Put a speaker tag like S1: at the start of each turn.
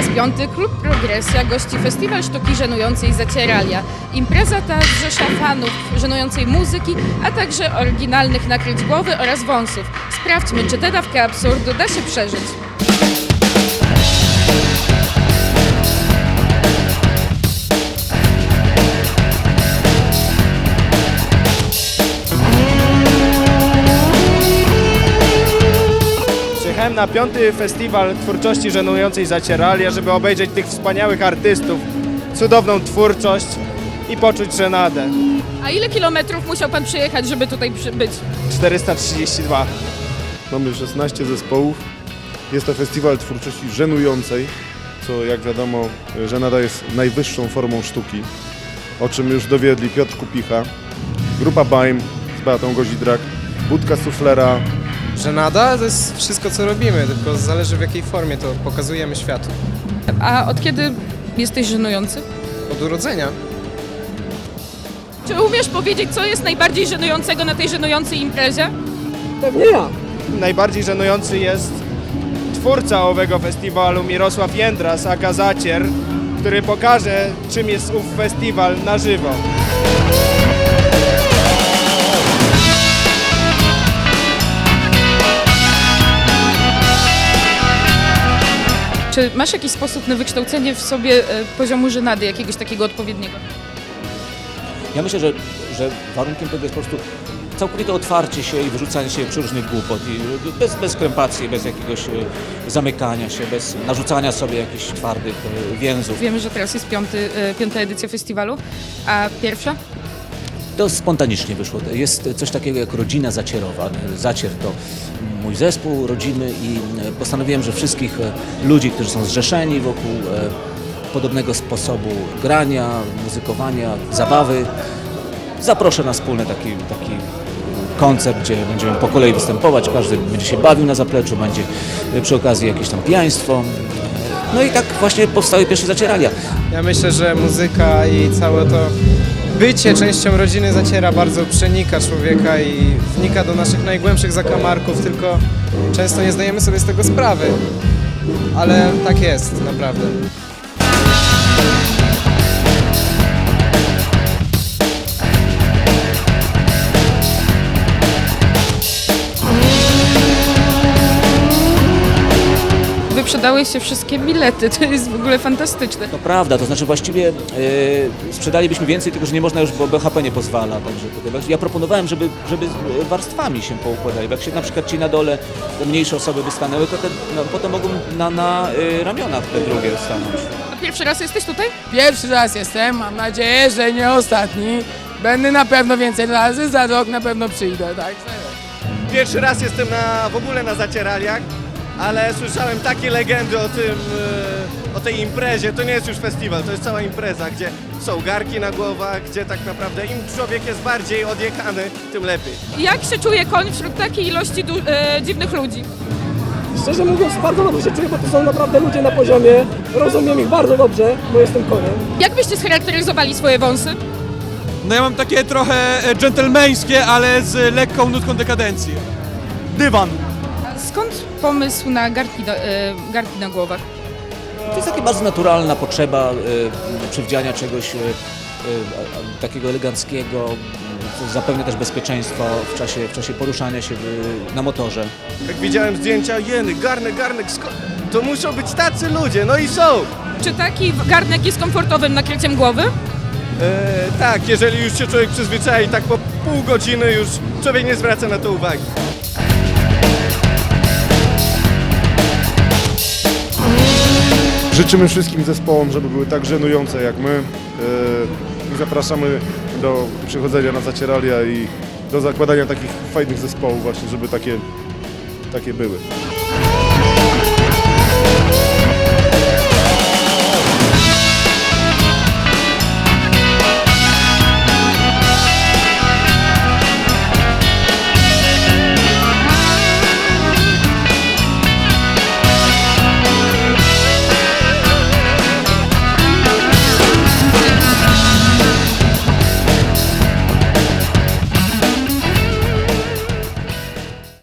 S1: raz piąty Klub Progresja gości Festiwal Sztuki Żenującej Zaceralia. Impreza ta zrzesza fanów żenującej muzyki, a także oryginalnych nakryć głowy oraz wąsów. Sprawdźmy, czy tę dawkę absurdu da się przeżyć.
S2: Przyjechałem na 5. Festiwal Twórczości Żenującej Zaceralia, żeby obejrzeć tych wspaniałych artystów, cudowną twórczość i poczuć żenadę.
S1: A ile kilometrów musiał pan przejechać, żeby tutaj być?
S2: 432.
S3: Mamy 16 zespołów. Jest to festiwal twórczości żenującej, co jak wiadomo, żenada jest najwyższą formą sztuki, o czym już dowiedli Piotr Kupicha, grupa Baim z Beatą Gozidrak, Budka Suflera.
S4: Żenada to jest wszystko, co robimy, tylko zależy w jakiej formie to pokazujemy światu.
S1: A od kiedy jesteś żenujący?
S4: Od urodzenia.
S1: Czy umiesz powiedzieć, co jest najbardziej żenującego na tej żenującej imprezie?
S2: Najbardziej żenujący jest twórca owego festiwalu, Mirosław Jędras, aka Zacier, który pokaże, czym jest ów festiwal na żywo.
S1: Czy masz jakiś sposób na wykształcenie w sobie poziomu żenady, jakiegoś takiego odpowiedniego?
S5: Ja myślę, że warunkiem tego jest po prostu całkowite otwarcie się i wyrzucanie się przeróżnych głupot. I bez krępacji, bez jakiegoś zamykania się, bez narzucania sobie jakichś twardych więzów.
S1: Wiemy, że teraz jest piąta edycja festiwalu, a pierwsza?
S5: To spontanicznie wyszło. Jest coś takiego jak rodzina zacierowa. Zacier to mój zespół rodzimy i postanowiłem, że wszystkich ludzi, którzy są zrzeszeni wokół podobnego sposobu grania, muzykowania, zabawy, zaproszę na wspólny taki koncert, gdzie będziemy po kolei występować, każdy będzie się bawił na zapleczu, będzie przy okazji jakieś tam pijaństwo. No i tak właśnie powstały pierwsze Zaceralia.
S4: Ja myślę, że muzyka i całe to bycie częścią rodziny Zaciera bardzo przenika człowieka i wnika do naszych najgłębszych zakamarków, tylko często nie zdajemy sobie z tego sprawy. Ale tak jest, naprawdę.
S1: Wyprzedały się wszystkie bilety, to jest w ogóle fantastyczne.
S5: To prawda, to znaczy właściwie sprzedalibyśmy więcej, tylko że nie można już, bo BHP nie pozwala. Także ja proponowałem, żeby warstwami się poukładali. Bo jak się na przykład ci na dole, te mniejsze osoby by stanęły, to potem mogą na ramionach te drugie stanąć.
S1: A pierwszy raz jesteś tutaj?
S6: Pierwszy raz jestem, mam nadzieję, że nie ostatni. Będę na pewno więcej razy, za rok na pewno przyjdę, tak?
S2: Pierwszy raz jestem w ogóle na Zacieraliach, ale słyszałem takie legendy o tej imprezie. To nie jest już festiwal, to jest cała impreza, gdzie są garki na głowach, gdzie tak naprawdę im człowiek jest bardziej odjechany, tym lepiej.
S1: Jak się czuje koń wśród takiej ilości dziwnych ludzi?
S7: Szczerze mówiąc, bardzo dobrze się czuję, bo to są naprawdę ludzie na poziomie. Rozumiem ich bardzo dobrze, bo jestem koniem.
S1: Jak byście scharakteryzowali swoje wąsy?
S8: No ja mam takie trochę dżentelmeńskie, ale z lekką nutką dekadencji. Dywan.
S1: Skąd pomysł na garki na głowach?
S5: To jest taka bardzo naturalna potrzeba przywdziania czegoś takiego eleganckiego, co zapewnia też bezpieczeństwo w czasie poruszania się na motorze.
S2: Jak widziałem zdjęcia, jeny, garnek, to muszą być tacy ludzie, no i są!
S1: Czy taki garnek jest komfortowym nakryciem głowy?
S2: Tak, jeżeli już się człowiek przyzwyczai, tak po pół godziny już człowiek nie zwraca na to uwagi.
S3: Życzymy wszystkim zespołom, żeby były tak żenujące jak my. I zapraszamy do przychodzenia na Zaceralia i do zakładania takich fajnych zespołów właśnie, żeby takie były.